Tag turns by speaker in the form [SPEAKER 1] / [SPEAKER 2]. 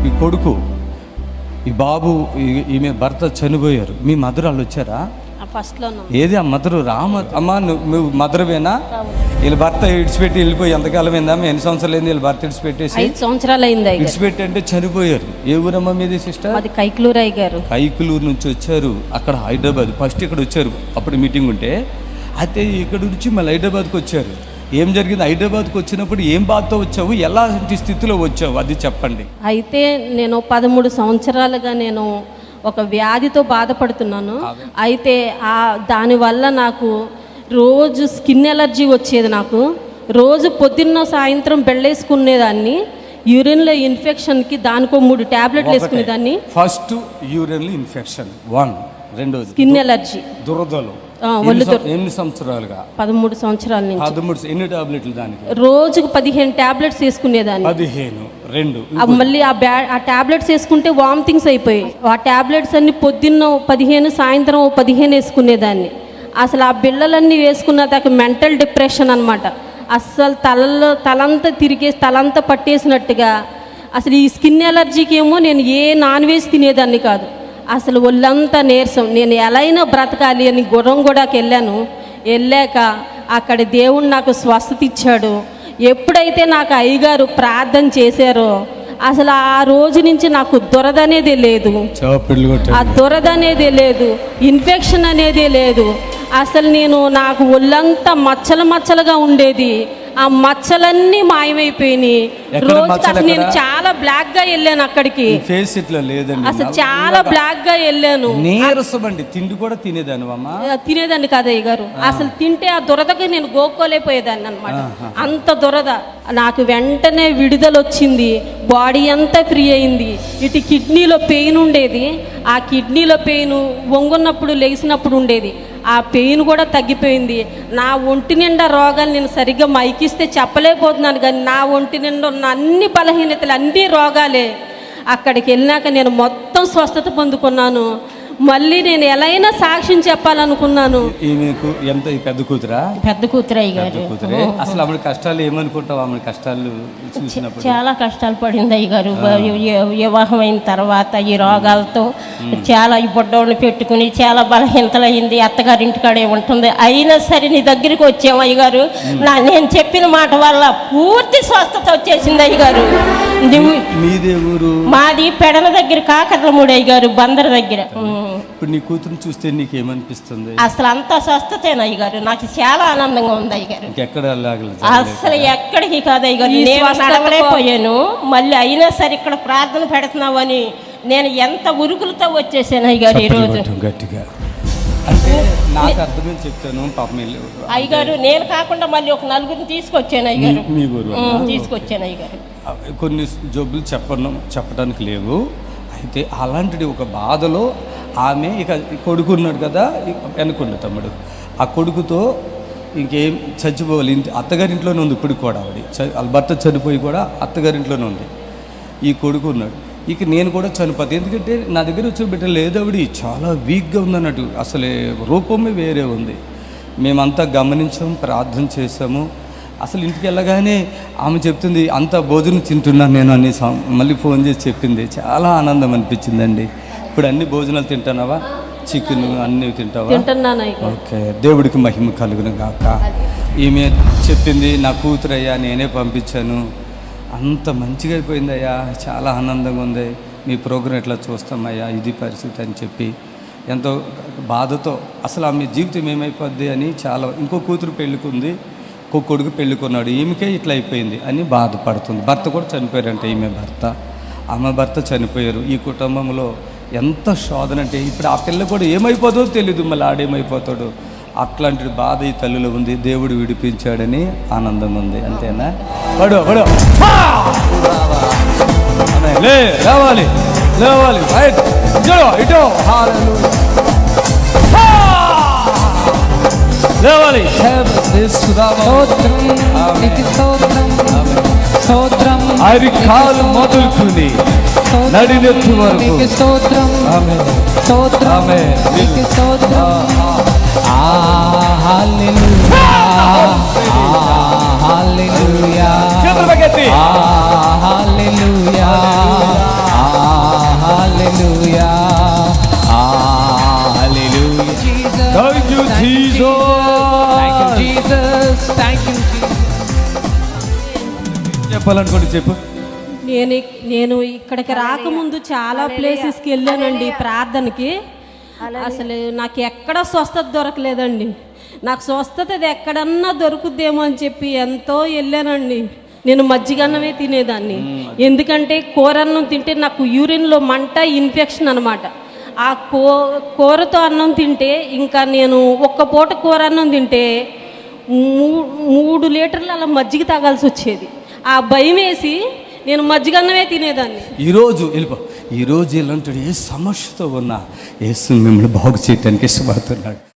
[SPEAKER 1] ఈ కొడుకు, ఈ బాబు, ఈమె భర్త చనిపోయారు. మీ మదర్ వాళ్ళు వచ్చారా?
[SPEAKER 2] ఫస్ట్లో
[SPEAKER 1] ఏది ఆ మదరు అమ్మ నువ్వు మదరువేనా? వీళ్ళ భర్త ఇడిచిపెట్టి వెళ్ళిపోయి ఎంతకాలం అయిందమ్మా? ఎన్ని సంవత్సరాలు అయింది వీళ్ళ భర్త ఇడిచిపెట్టేసి?
[SPEAKER 2] 5 సంవత్సరాలు అయింది.
[SPEAKER 1] ఇడిచిపెట్టి అంటే చనిపోయారు. ఏ ఊరమ్మా మీది సిస్టర్?
[SPEAKER 2] అది కైకులూరు అయ్యారు.
[SPEAKER 1] కైకులూరు నుంచి వచ్చారు. అక్కడ హైదరాబాద్ ఫస్ట్ ఇక్కడ వచ్చారు, అప్పుడు మీటింగ్ ఉంటే. అయితే ఇక్కడ నుంచి మళ్ళీ హైదరాబాద్కి వచ్చారు. ఏం జరిగింది? హైదరాబాద్కి వచ్చినప్పుడు ఏం బాధతో వచ్చావు, ఎలాంటి స్థితిలో వచ్చావు, అది చెప్పండి.
[SPEAKER 2] అయితే నేను 13 సంవత్సరాలుగా నేను ఒక వ్యాధితో బాధపడుతున్నాను. అయితే దానివల్ల నాకు రోజు స్కిన్ ఎలర్జీ వచ్చేది. నాకు రోజు పొద్దున్న సాయంత్రం బెళ్ళేసుకునేదాన్ని. యూరిన్లో ఇన్ఫెక్షన్కి దానికో 3 ట్యాబ్లెట్లు వేసుకునేదాన్ని.
[SPEAKER 1] First యూరిన్లో infection, 1. రెండోది
[SPEAKER 2] స్కిన్ ఎలర్జీ,
[SPEAKER 1] దురదలు. ఎన్ని సంవత్సరాలుగా?
[SPEAKER 2] 13 సంవత్సరాల నుంచి.
[SPEAKER 1] 13. ఎన్ని టాబ్లెట్లు దానికి?
[SPEAKER 2] రోజుకు 15 ట్యాబ్లెట్స్ వేసుకునేదాన్ని.
[SPEAKER 1] 15. 2.
[SPEAKER 2] మళ్ళీ ఆ ట్యాబ్లెట్స్ వేసుకుంటే వామిటింగ్స్ అయిపోయాయి. ఆ ట్యాబ్లెట్స్ అన్ని పొద్దున్న 15, సాయంత్రం 15 వేసుకునేదాన్ని. అసలు ఆ బిళ్ళలన్నీ వేసుకున్న దాకా మెంటల్ డిప్రెషన్ అనమాట. అస్సలు తలంతా తిరిగేసి తలంతా పట్టేసినట్టుగా. అసలు ఈ స్కిన్ ఎలర్జీకి ఏమో నేను ఏ నాన్ వెజ్ తినేదాన్ని కాదు. అసలు ఒళ్ళంతా నీరసం. నేను ఎలా అయినా బ్రతకాలి అని గుర్రంగూడకి వెళ్ళాక అక్కడ దేవుడు నాకు స్వస్థత ఇచ్చాడు. ఎప్పుడైతే నాకు అయ్యగారు ప్రార్థన చేశారో అసలు ఆ రోజు నుంచి నాకు దురద అనేదే లేదు, ఆ దురద అనేదే లేదు, ఇన్ఫెక్షన్ అనేదే లేదు. అసలు నాకు ఒళ్ళంతా మచ్చలుగా ఉండేది. ఆ మచ్చలన్నీ మాయమైపోయినాయి. రోజు అసలు నేను చాలా బ్లాక్ గా వెళ్ళాను అక్కడికి.
[SPEAKER 1] ఫేస్ ఇట్లా లేదండి,
[SPEAKER 2] అసలు చాలా బ్లాక్ గా వెళ్ళాను.
[SPEAKER 1] నీరసమండి. తిండి కూడా
[SPEAKER 2] తినేదాన్ని కాదు అయ్యగారు. అసలు తింటే ఆ దురదకి నేను గోక్కోలేకపోయేదాన్ని అనమాట. అంత దురద. నాకు వెంటనే విడుదల వచ్చింది. బాడీ అంతా ఫ్రీ అయింది. ఇటు కిడ్నీలో పెయిన్ ఉండేది. ఆ కిడ్నీలో పెయిన్ వంగున్నప్పుడు లేచినప్పుడు ఉండేది. ఆ పెయిన్ కూడా తగ్గిపోయింది. నా ఒంటి నిండా రోగాలు నేను సరిగ్గా మైకిస్తే చెప్పలేకపోతున్నాను, కానీ నా ఒంటి నిండా ఉన్న అన్ని బలహీనతలు, అన్ని రోగాలే. అక్కడికి వెళ్ళినాక నేను మొత్తం స్వస్థత పొందుకున్నాను. మళ్ళీ నేను ఎలా అయినా సాక్ష్యం చెప్పాలనుకున్నాను.
[SPEAKER 1] మీకు ఎంత పెద్ద కూతురా?
[SPEAKER 2] పెద్ద కూతురు అయ్యగారు.
[SPEAKER 1] అసలు ఆమె కష్టాలు ఏమనుకుంటావు? ఆమె కష్టాలు చూసినప్పుడు
[SPEAKER 2] చాలా కష్టాలు పడింది అయ్యగారు. వివాహం అయిన తర్వాత ఈ రోగాలతో చాలా ఈ బొడ్డోళ్ళని పెట్టుకుని చాలా బలహీనతలైంది. అత్తగారి ఇంటికాడే ఉంటుంది. అయినా సరే నీ దగ్గరికి వచ్చాము అయ్యగారు. నేను చెప్పిన మాట వల్ల పూర్తి స్వస్థత వచ్చేసింది అయ్యగారు.
[SPEAKER 1] మీదే ఊరు?
[SPEAKER 2] మాది పెడల దగ్గర, కాకర్లమూడి అయ్యగారు, బందర్ దగ్గర.
[SPEAKER 1] ఇప్పుడు నీ కూతురు చూస్తే నీకేమనిపిస్తుంది?
[SPEAKER 2] అసలు అంతా స్వస్థతేనా అయ్యగారు? నాకు చాలా ఆనందంగా ఉంది అయ్యగారు. అసలు ఎక్కడికి కాదు అయ్యగారు. నేను నడవలేకపోయాను. మళ్ళీ అయినా సరే ఇక్కడ ప్రార్థన పెడుతున్నావు అని నేను ఎంత ఉరుకులతో వచ్చేసాను అయ్యగారు ఈరోజు.
[SPEAKER 1] గట్టిగా అంటే నాకు అర్థమని చెప్తాను పాపం.
[SPEAKER 2] అయ్యగారు నేను కాకుండా మళ్ళీ ఒక 4 తీసుకొచ్చాను అయ్యగారు.
[SPEAKER 1] మీ ఊరు
[SPEAKER 2] తీసుకొచ్చాను అయ్యగారు.
[SPEAKER 1] కొన్ని జబ్బులు చెప్పడానికి లేవు. అయితే అలాంటిది ఒక బాధలో ఆమె ఇక కొడుకున్నాడు కదా వెనుకుండు తమ్ముడు. ఆ కొడుకుతో ఇంకేం చచ్చిపోవాలి. అత్తగారింట్లోనే ఉంది ఇప్పుడు కూడా. వాళ్ళ భర్త చనిపోయి కూడా అత్తగారింట్లోనే ఉంది. ఈ కొడుకు ఉన్నాడు. ఇక నేను కూడా చనిపోతాను. ఎందుకంటే నా దగ్గర వచ్చిన బిడ్డ లేదు. ఆవిడ చాలా వీక్గా ఉందన్నట్టు. అసలే రూపమే వేరే ఉంది. మేమంతా గమనించాము, ప్రార్థన చేసాము. అసలు ఇంటికి వెళ్ళగానే ఆమె చెప్తుంది, అంత భోజనం తింటున్నాను నేను అని మళ్ళీ ఫోన్ చేసి చెప్పింది. చాలా ఆనందం అనిపించిందండి. ఇప్పుడు అన్ని భోజనాలు తింటున్నావా? చికెన్ అన్నీ తింటావా? ఓకే, దేవుడికి మహిమ కలుగును గాక. ఈమె చెప్పింది, నా కూతురయ్యా నేనే పంపించాను, అంత మంచిగా అయిపోయిందయ్యా, చాలా ఆనందంగా ఉంది, మీ ప్రోగ్రాం ఎట్లా చూస్తామయ్యా, ఇది పరిస్థితి అని చెప్పి ఎంతో బాధతో అసలు ఆమె జీవితం ఏమైపోద్ది అని చాలా. ఇంకో కూతురు పెళ్ళికుంది, ఇంకో కొడుకు పెళ్ళికున్నాడు, ఈమెకే ఇట్లా అయిపోయింది అని బాధపడుతుంది. భర్త కూడా చనిపోయారంటే ఈమె భర్త, ఆమె భర్త చనిపోయారు. ఈ కుటుంబంలో ఎంత శోధన అంటే ఇప్పుడు ఆ పిల్ల కూడా ఏమైపోతుందో తెలీదు, మళ్ళీ ఆడేమైపోతాడు. అట్లాంటి బాధ ఈ తల్లిలో ఉంది. దేవుడు విడిపించాడని ఆనందం ఉంది. అంతేనా? పడు పడు లేవాలి లేవాలి ఇటో లేవాలి. అరికాలు మొదలుకుని నడినెత్తు వరకు చెప్పాలనుకోండి చెప్పు.
[SPEAKER 2] నేను ఇక్కడికి రాకముందు చాలా ప్లేసెస్కి వెళ్ళానండి ప్రార్థనకి. అసలు నాకు ఎక్కడ స్వస్థత దొరకలేదండి. నాకు స్వస్థత ఇది ఎక్కడన్నా దొరుకుద్దేమో అని చెప్పి ఎంతో వెళ్ళానండి. నేను మజ్జిగన్నమే తినేదాన్ని, ఎందుకంటే కూరన్నం తింటే నాకు యూరిన్లో మంట, ఇన్ఫెక్షన్ అనమాట. ఆ కూరతో అన్నం తింటే ఇంకా నేను ఒక్క పూట కూర అన్నం తింటే 3 లీటర్లు అలా మజ్జిగ తాగాల్సి వచ్చేది. ఆ భయం వేసి నేను మజ్జిగన్నమే తినేదాన్ని.
[SPEAKER 1] ఈరోజు ఇలాంటి ఏ సమస్యతో ఉన్నా యేసు మిమ్మల్ని బాగు చేయడానికి ఇష్టపడుతున్నాడు.